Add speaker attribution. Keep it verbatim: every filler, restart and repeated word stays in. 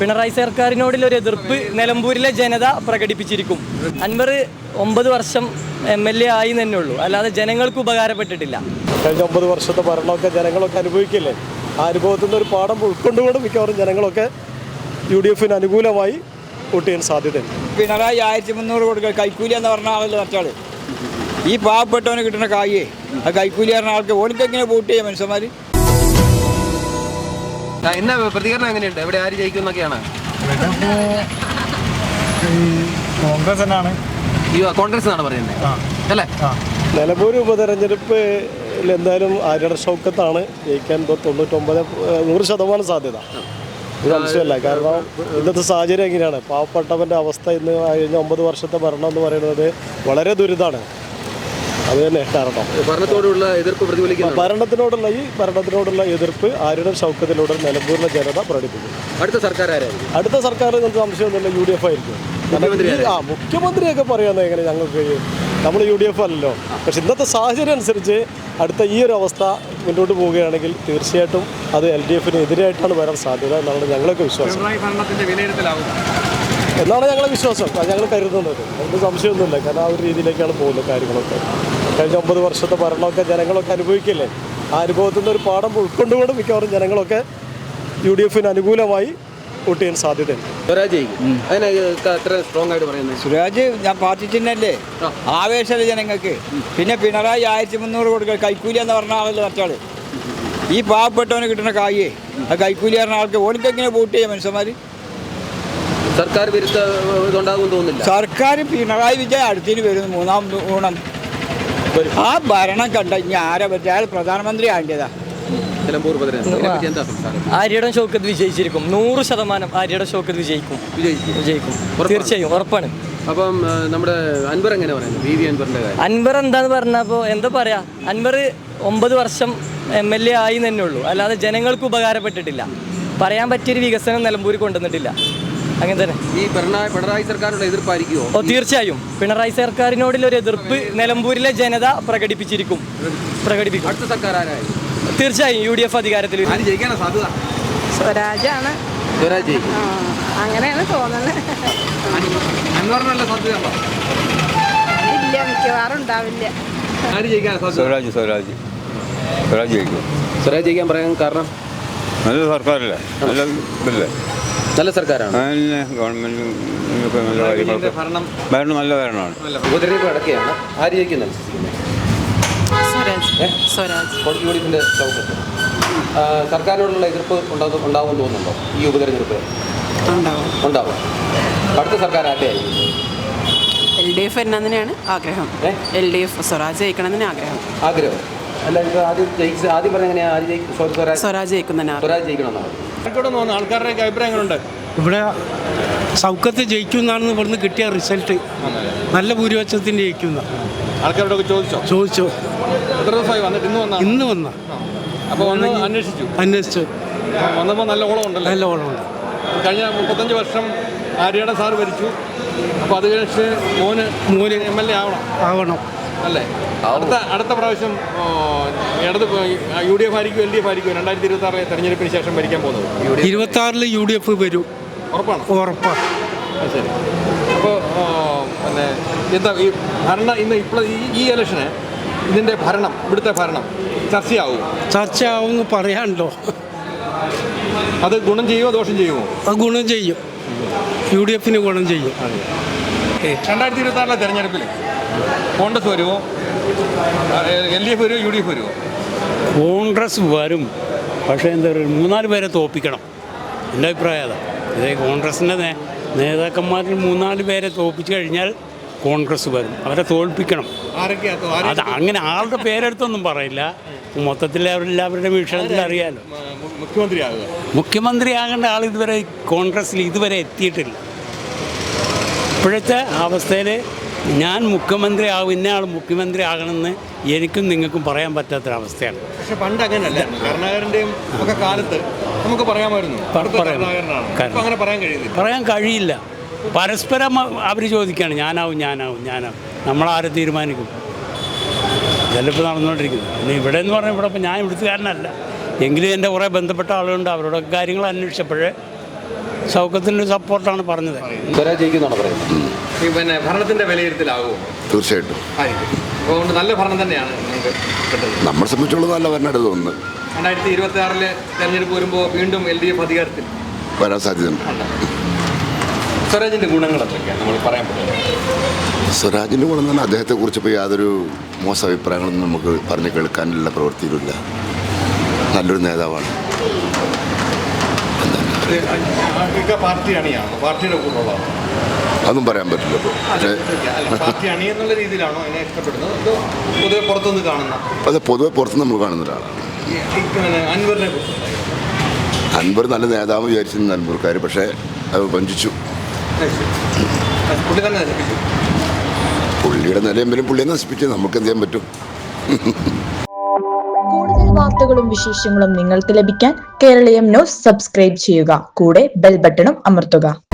Speaker 1: പിണറായി സർക്കാരിനോടുള്ള ഒരു എതിർപ്പ് നിലമ്പൂരിലെ ജനത പ്രകടിപ്പിച്ചിരിക്കും. അൻവർ ഒമ്പത് വർഷം എം എൽ എ ആയി തന്നെ ഉള്ളൂ, അല്ലാതെ ജനങ്ങൾക്ക് ഉപകാരപ്പെട്ടിട്ടില്ല.
Speaker 2: കഴിഞ്ഞ ഒമ്പത് വർഷത്തെ ഭരണമൊക്കെ ജനങ്ങളൊക്കെ അനുഭവിക്കില്ലേ? ആ അനുഭവത്തിൽ നിന്ന് ഒരു പാഠം ഉൾക്കൊണ്ടുകൊണ്ട് മിക്കവാറും ജനങ്ങളൊക്കെ യു ഡി എഫിന് അനുകൂലമായി വോട്ട് ചെയ്യാൻ സാധ്യതയുണ്ട്.
Speaker 3: പിണറായി ആയിരത്തി മുന്നൂറ് കൊടുക്കുക കൈക്കൂലി എന്ന് പറഞ്ഞ ആളല്ലോ മറ്റാൾ. ഈ പാവപ്പെട്ടവന് കിട്ടുന്ന കായേ ആ കൈക്കൂലി പറഞ്ഞ ആൾക്ക് ഓർക്ക് എങ്ങനെ വോട്ട് ചെയ്യാം മനുഷ്യന്മാർ?
Speaker 4: ഇന്ന പ്രതികരണം എങ്ങനെയുണ്ട്? എവിടെ ആര് ജയിക്കും എന്നൊക്കെയാണ്?
Speaker 5: കോൺഗ്രസ് തന്നെയാണ്.
Speaker 4: കോൺഗ്രസ് എന്നാണ് പറയുന്നത് അല്ലേ?
Speaker 2: നിലമ്പൂർ ഉപതെരഞ്ഞെടുപ്പിൽ എന്തായാലും ആര്യട ഷൗക്കത്താണ് ജയിക്കാൻ തൊണ്ണൂറ്റൊമ്പത് നൂറ് ശതമാനം സാധ്യത. ഇത് സംശയമല്ല. കാരണം ഇന്നത്തെ സാഹചര്യം എങ്ങനെയാണ്? പാവപ്പെട്ടവൻ്റെ അവസ്ഥ ഇന്ന് കഴിഞ്ഞ ഒമ്പത് വർഷത്തെ ഭരണം എന്ന് പറയുന്നത് വളരെ ദുരിതമാണ്. അത് തന്നെ കാരണം
Speaker 4: ഭരണത്തോടുള്ള എതിർപ്പ് പ്രതിഫലിക്കുന്നു.
Speaker 2: ഭരണത്തിനോടുള്ള ഈ ഭരണത്തിനോടുള്ള എതിർപ്പ് ആര്യട ഷൗക്കത്തിലൂടെ നിലമ്പൂരിലെ ജനത പ്രകടിപ്പിക്കും.
Speaker 4: അടുത്ത സർക്കാർ ആരായിരിക്കും?
Speaker 2: അടുത്ത സർക്കാർ നമുക്ക് സംശയമൊന്നുമില്ല, യു ഡി എഫ് ആയിരിക്കും. ആ മുഖ്യമന്ത്രിയൊക്കെ പറയുന്നത് എങ്ങനെ? ഞങ്ങൾക്ക് നമ്മൾ യു ഡി എഫ് അല്ലല്ലോ. പക്ഷെ ഇന്നത്തെ സാഹചര്യം അനുസരിച്ച് അടുത്ത ഈ ഒരു അവസ്ഥ മുന്നോട്ട് പോവുകയാണെങ്കിൽ തീർച്ചയായിട്ടും അത് എൽ ഡി എഫിന് എതിരായിട്ടാണ് വരാൻ സാധ്യത എന്നാണ് ഞങ്ങളൊക്കെ വിശ്വാസം. എന്നാണ് ഞങ്ങളെ വിശ്വാസം, ഞങ്ങൾ കരുതുന്നത്. നമുക്ക് സംശയമൊന്നുമില്ല. കാരണം ആ ഒരു രീതിയിലേക്കാണ് പോകുന്നത് കാര്യങ്ങളൊക്കെ. കഴിഞ്ഞ ഒമ്പത് വർഷത്തെ ഭരണമൊക്കെ ജനങ്ങളൊക്കെ അനുഭവിക്കില്ലേ? ആ അനുഭവത്തിൽ നിന്ന് ഒരു പാഠം ഉൾക്കൊണ്ടുകൊണ്ട് മിക്കവാറും ജനങ്ങളൊക്കെ യു ഡി എഫിന് അനുകൂലമായി വോട്ട് ചെയ്യാൻ സാധ്യതയുണ്ട്.
Speaker 3: സുരാജ് ഞാൻ പാർട്ടി ചിഹ്നല്ലേ, ആവേശമല്ലേ ജനങ്ങൾക്ക്. പിന്നെ പിണറായി ആയിരത്തി മുന്നൂറ് കൊടുക്കുക കൈക്കൂലി എന്ന് പറഞ്ഞ ആളല്ലോ മറ്റാൾ. ഈ പാവപ്പെട്ടവന് കിട്ടുന്ന കായേ ആ കൈക്കൂലി പറഞ്ഞ ആൾക്ക് ഓർക്ക് എങ്ങനെ വോട്ട് ചെയ്യാം മനുഷ്യന്മാർ?
Speaker 4: സർക്കാർ വിരുദ്ധ ഇതുണ്ടാകും തോന്നുന്നില്ല.
Speaker 3: സർക്കാർ പിണറായി വിജയൻ അടുത്തിന് വരുന്നു മൂന്നാം ഊണം. ആ ഭരണം കണ്ട ഇനി ആരെ പറ്റി? അയാൾ പ്രധാനമന്ത്രി ആകേണ്ടതാ.
Speaker 1: ആര്യയുടെ ഷൗക്കത്ത് വിജയിച്ചിരിക്കും. നൂറ് ശതമാനം ആര്യയുടെ ഷൗക്കത്ത് വിജയിക്കും വിജയിക്കും തീർച്ചയായും, ഉറപ്പാണ്.
Speaker 4: അപ്പം നമ്മുടെ അൻവർ എങ്ങനെ പറയുന്നത്? വി വി അൻവറിന്റെ കാര്യം
Speaker 1: അൻവർ എന്താന്ന് പറഞ്ഞപ്പോൾ എന്താ പറയാ, അൻവർ ഒമ്പത് വർഷം എം എൽ എ ആയി തന്നെ ഉള്ളൂ, അല്ലാതെ ജനങ്ങൾക്ക് ഉപകാരപ്പെട്ടിട്ടില്ല. പറയാൻ പറ്റിയൊരു വികസനം നിലമ്പൂർ കൊണ്ടുവന്നിട്ടില്ല. അങ്ങനെ തന്നെ
Speaker 4: ഈ പിണറായി സർക്കാരിനുള്ള എതിർപ്പായിരിക്കുമോ?
Speaker 1: ഓ തീർച്ചയായും പിണറായി സർക്കാരിനോടുള്ള ഒരു എതിർപ്പ് നിലമ്പൂരിലെ ജനത പ്രകടിപ്പിച്ചിരിക്കും പ്രകടിപ്പിക്കും
Speaker 4: അടുത്ത സർക്കാർ ആരായിരിക്കും?
Speaker 1: തീർച്ചയായും യു ഡി എഫ് അധികാരത്തിൽ.
Speaker 4: ആര് ജയിക്കാനാ സാധ്യത?
Speaker 6: സ്വരാജാണ്.
Speaker 4: സ്വരാജ് ജയിക്കും
Speaker 6: അങ്ങനെയാണ് തോന്നുന്നത്.
Speaker 4: അൻവറിനുള്ള സാധ്യത ഉണ്ടോ?
Speaker 6: ഇല്ല, മിക്കവാറും ഉണ്ടാവില്ല.
Speaker 4: ആര് ജയിക്കാനാ സാധ്യത?
Speaker 5: സ്വരാജ് സ്വരാജ് സ്വരാജ് ജയിക്കും.
Speaker 4: സ്വരാജ് ജയിക്കാൻ പറയാൻ കാരണം
Speaker 5: നല്ല സർക്കാരല്ലേ? നല്ല ഇതല്ലേ?
Speaker 4: നല്ല സർക്കാരാണ്.
Speaker 5: ഗവൺമെന്റ് നല്ല കാര്യങ്ങളൊക്കെ ഭരണം നല്ല ഭരണമാണ്.
Speaker 4: ഉപതെരഞ്ഞെടുപ്പ് നടക്കുകയാണ്. ആര് ജയിക്കുന്നത്? യു ഡി എഫിന്റെ ചൗക്കത്ത്. സർക്കാരിനോടുള്ള എതിർപ്പ് ഉണ്ടാകും ഉണ്ടാകുമെന്ന് തോന്നുന്നുണ്ടോ ഈ ഉപതെരഞ്ഞെടുപ്പ്? ഉണ്ടാവും. അടുത്ത സർക്കാർ ആരുടെയായിരിക്കും?
Speaker 7: എൽ ഡി എഫ് എന്നതിനാണ് ആഗ്രഹം. എൽ ഡി എഫ് സ്വരാജ് ജയിക്കണമെന്ന് ആഗ്രഹം.
Speaker 4: ആഗ്രഹം അല്ല, ആദ്യം ജയിച്ച ആദ്യം പറഞ്ഞ എങ്ങനെയാ? ആര് ജയിക്കും?
Speaker 7: സ്വരാജ് ജയിക്കുന്നതിന്
Speaker 4: സ്വരാജ് ജയിക്കണമെന്നാണ്
Speaker 5: ആൾക്കാരുടെ അഭിപ്രായങ്ങളുണ്ട്. ഇവിടെ സൗഖ്യത്തിൽ ജയിക്കുമെന്നാണെന്ന് ഇവിടുന്ന് കിട്ടിയ റിസൾട്ട്. നല്ല ഭൂരിപക്ഷത്തിന് ജയിക്കുന്ന
Speaker 4: ആൾക്കാരോടൊക്കെ ചോദിച്ചോ?
Speaker 5: ചോദിച്ചു.
Speaker 4: എത്ര ദിവസമായി വന്നിട്ട്? ഇന്ന് വന്ന
Speaker 5: ഇന്ന് വന്ന
Speaker 4: അപ്പോൾ വന്ന് അന്വേഷിച്ചു
Speaker 5: അന്വേഷിച്ചു
Speaker 4: വന്നപ്പോൾ നല്ല ഓളം ഉണ്ടല്ലോ.
Speaker 5: നല്ല ഓളമുണ്ട്.
Speaker 4: കഴിഞ്ഞ മുപ്പത്തഞ്ച് വർഷം ആര്യയുടെ സാറ് ഭരിച്ചു. അപ്പോൾ അത് കഴിച്ച് മോന് മോന് എം എൽ എ ആവണം
Speaker 5: ആവണം
Speaker 4: അല്ലേ? അടുത്ത അടുത്ത പ്രാവശ്യം ഇടത് യു ഡി എഫ് ആയിരിക്കും എൽ ഡി എഫ് ആയിരിക്കും രണ്ടായിരത്തി ഇരുപത്തി ആറിലെ തെരഞ്ഞെടുപ്പിന് ശേഷം ഭരിക്കാൻ പോകുന്നത്?
Speaker 5: ഇരുപത്തി ആറിൽ യു ഡി എഫ് വരും.
Speaker 4: ഉറപ്പാണ്?
Speaker 5: ഉറപ്പാണ്.
Speaker 4: ശരി. അപ്പോൾ പിന്നെ എന്താ ഈ ഭരണം ഇന്ന് ഇപ്പോൾ ഈ ഇലക്ഷന് ഇതിൻ്റെ ഭരണം ഇവിടുത്തെ ഭരണം ചർച്ചയാവും
Speaker 5: ചർച്ചയാവുമെന്ന് പറയാനുണ്ടോ?
Speaker 4: അത് ഗുണം ചെയ്യുമോ ദോഷം ചെയ്യുമോ?
Speaker 5: അത് ഗുണം ചെയ്യും. യു ഡി എഫിന് ഗുണം ചെയ്യും.
Speaker 4: രണ്ടായിരത്തി ഇരുപത്തി ആറിലെ തെരഞ്ഞെടുപ്പിൽ കോൺഗ്രസ് വരുമോ, എൽ ഡി എഫ് വരുമോ, യു ഡി എഫ് വരുമോ?
Speaker 5: കോൺഗ്രസ് വരും. പക്ഷേ എന്താ പറയുക, മൂന്നാല് പേരെ തോൽപ്പിക്കണം. എൻ്റെ അഭിപ്രായം അതാണ്. ഇതേ കോൺഗ്രസിൻ്റെ നേ നേതാക്കന്മാരിൽ മൂന്നാല് പേരെ തോൽപ്പിച്ചു കഴിഞ്ഞാൽ കോൺഗ്രസ് വരും. അവരെ തോൽപ്പിക്കണം. അത് അങ്ങനെ ആളുടെ പേരെടുത്തൊന്നും പറയില്ല. മൊത്തത്തിൽ അവരെല്ലാവരുടെ വീക്ഷണത്തിൽ അറിയാമല്ലോ.
Speaker 4: മുഖ്യമന്ത്രിയാകുക
Speaker 5: മുഖ്യമന്ത്രിയാകേണ്ട ആൾ ഇതുവരെ കോൺഗ്രസ്സിൽ ഇതുവരെ എത്തിയിട്ടില്ല. ഇപ്പോഴത്തെ അവസ്ഥയിൽ ഞാൻ മുഖ്യമന്ത്രി ആകും, ഇന്ന ആൾ മുഖ്യമന്ത്രി ആകണമെന്ന് എനിക്കും നിങ്ങൾക്കും പറയാൻ പറ്റാത്തൊരവസ്ഥയാണ്.
Speaker 4: പക്ഷെ പണ്ട് അങ്ങനെയല്ല. കരുണാകരൻ്റെയും ഒക്കെ കാലത്ത് നമുക്ക് പറയാമായിരുന്നു അങ്ങനെ പറയാൻ കഴിയില്ല.
Speaker 5: പറയാൻ കഴിയില്ല. പരസ്പരം അവർ ചോദിക്കുകയാണ് ഞാനാവും ഞാനാവും ഞാനാവും. നമ്മളാരെ തീരുമാനിക്കും? ഇതെല്ലാം നടന്നുകൊണ്ടിരിക്കുന്നത്. പിന്നെ ഇവിടെ എന്ന് പറഞ്ഞാൽ ഇവിടെ ഇപ്പം ഞാൻ ഇവിടുത്തുകാരനല്ല, എങ്കിലും എൻ്റെ കുറേ ബന്ധപ്പെട്ട ആളുകളുണ്ട്. അവരോടൊക്കെ കാര്യങ്ങൾ അന്വേഷിച്ചപ്പോഴേ സൗഖ്യത്തിൻ്റെ സപ്പോർട്ടാണ് പറഞ്ഞത്.
Speaker 4: സ്വരാജ് ജയിക്കുന്നാണ് പറയുന്നത്. ഈ പിന്നെ ഭരണത്തിന്റെ വിലയിരുത്തലാകുമോ?
Speaker 8: തീർച്ചയായിട്ടും
Speaker 4: ആയിരിക്കും. അപ്പോൾ അതുകൊണ്ട് നല്ല ഭരണം തന്നെയാണ് നിങ്ങൾക്ക് കിട്ടുന്നത്.
Speaker 8: നമ്മളെ സംബന്ധിച്ചുള്ളത് നല്ല ഭരണമായിട്ട് തോന്നുന്നത്.
Speaker 4: രണ്ടായിരത്തി ഇരുപത്തി ആറിലെ തെരഞ്ഞെടുപ്പ് വരുമ്പോൾ വീണ്ടും എൽ ഡി എഫ് അധികാരത്തിൽ
Speaker 8: വരാൻ സാധ്യതയുണ്ട്.
Speaker 4: സ്വരാജിന്റെ ഗുണങ്ങൾ എന്തൊക്കെയാണ് നമ്മൾ പറയാൻ പറ്റുന്നത്?
Speaker 8: സ്വരാജിൻ്റെ ഗുണം തന്നെ അദ്ദേഹത്തെക്കുറിച്ച് ഇപ്പോൾ യാതൊരു മോശം അഭിപ്രായങ്ങളൊന്നും നമുക്ക് പറഞ്ഞു കേൾക്കാനുള്ള പ്രവൃത്തിയിലില്ല. നല്ലൊരു നേതാവാണ്.
Speaker 4: പാർട്ടി അണിയാണോ? പാർട്ടിയുടെ കൂടെയുള്ളതാണോ?
Speaker 8: അതൊന്നും പറയാൻ പറ്റില്ല. ഇപ്പോൾ
Speaker 4: പാർട്ടി അണി എന്നുള്ള രീതിയിലാണോ അതിനെ ഇഷ്ടപ്പെടുന്നത്? അതോ പൊതുവെ പുറത്തുനിന്ന് കാണുന്ന?
Speaker 8: അത് പൊതുവെ പുറത്ത് നമ്മൾ കാണുന്ന ഒരാളാണ്.
Speaker 4: അൻവറിനെ കുറിച്ച്
Speaker 8: അൻവർ നല്ല നേതാവ് വിചാരിച്ചിരുന്ന അൻവർക്കാർ, പക്ഷേ അത് വഞ്ചിച്ചു.
Speaker 4: പുള്ളി തന്നെ നശിപ്പിച്ചു.
Speaker 8: പുള്ളിയുടെ നിലയെങ്കിലും പുള്ളിയെ നശിപ്പിച്ച് നമുക്ക് എന്ത് ചെയ്യാൻ പറ്റും?
Speaker 9: കൂടുതൽ വാർത്തകളും വിശേഷങ്ങളും നിങ്ങൾക്ക് ലഭിക്കാൻ കേരളീയം ന്യൂസ് സബ്സ്ക്രൈബ് ചെയ്യുക. കൂടെ ബെൽ ബട്ടണും അമർത്തുക.